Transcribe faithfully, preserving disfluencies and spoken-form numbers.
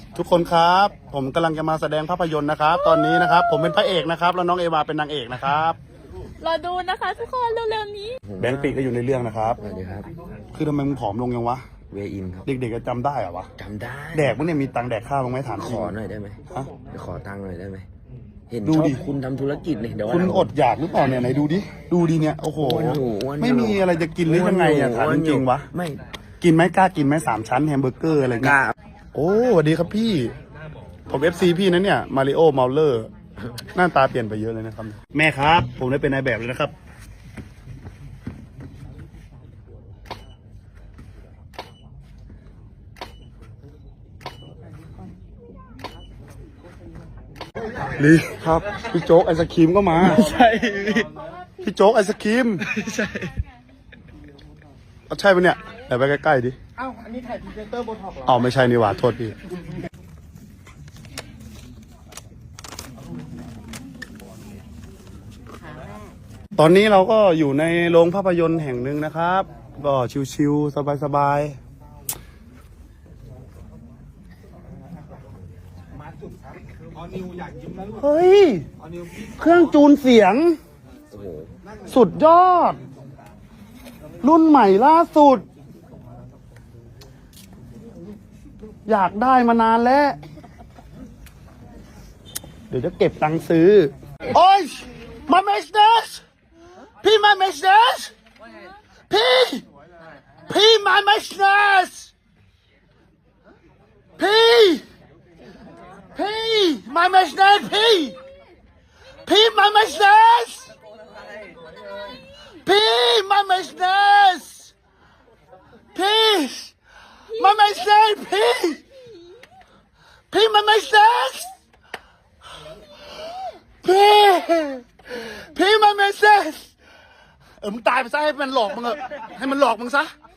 ทุกคนครับผมกำลังจะมาแสดงภาพยนตร์นะครับ ตอนนี้นะครับ ผมเป็นพระเอกนะครับแล้วน้องเอวาเป็นนางเอกนะครับรอดูนะคะทุกคนเร็วๆนี้แบงค์ปีก็อยู่ในเรื่องนะครับสวัสดีครับคือทำไมมึงผอมลงยังวะเวอินครับเด็กๆจะจำได้เหรอวะจำได้แดกมึงเนี่ยมีตังค์แดกข้าวลงไหมถามขอหน่อยได้ไหมฮะขอตังค์หน่อยได้ไหมเห็นชอบคุณทำธุรกิจเลยเดี๋ยวคุณอดอยากหรือเปล่าเนี่ยไหนดูดิดูดิเนี่ยโอ้โหไม่มีอะไรจะกินหรือยังไงอะถามจริงๆวะไม่กินไหมกล้ากินไหมสามชั้นแฮมเบอร์เกอร์อะไรเงี้ยโอ้สวัสดีครับพี่ผมเอฟซีพี่นะเนี่ยมาริโอเมาเลอร์หน้าตาเปลี่ยนไปเยอะเลยนะครับแม่ครับผมได้เป็นนายแบบเลยนะครับลีครับพี่โจ๊กไอศครีมก็มาใช่พี่โจ๊กไอศครีมใช่เอาใช่ปะเนี่ยเดี๋ยวไปใกล้ๆดิอ้าวอันนี้ถ่ายพรีเซนเตอร์โบท็อกซ์เหรออ๋อไม่ใช่นี่หว่าโทษพี่ตอนนี้เราก็อยู่ในโรงภาพยนตร์แห่งหนึ่งนะครับก็ชิวๆสบายๆเฮ้ยเครื่องจูนเสียงสุดยอดรุ่นใหม่ล่าสุดอยากได้มานานแล้วเดี๋ยวจะเก็บตังค์ซื้อโอ้ยมาเมสเนสพี่มาเมสเนสพี่พี่มาเมสเนสพี่พี่มาเมสเนสพี่พี่มาเมสเนสพี่มาเมสเนสพี่มาเมสเนสพี่พี่มาเมสเนสพี่พี่มาเมสเนสเออมึงตายไปซะให้มันหลอกมึงเถอะให้มันหลอกมึงซะ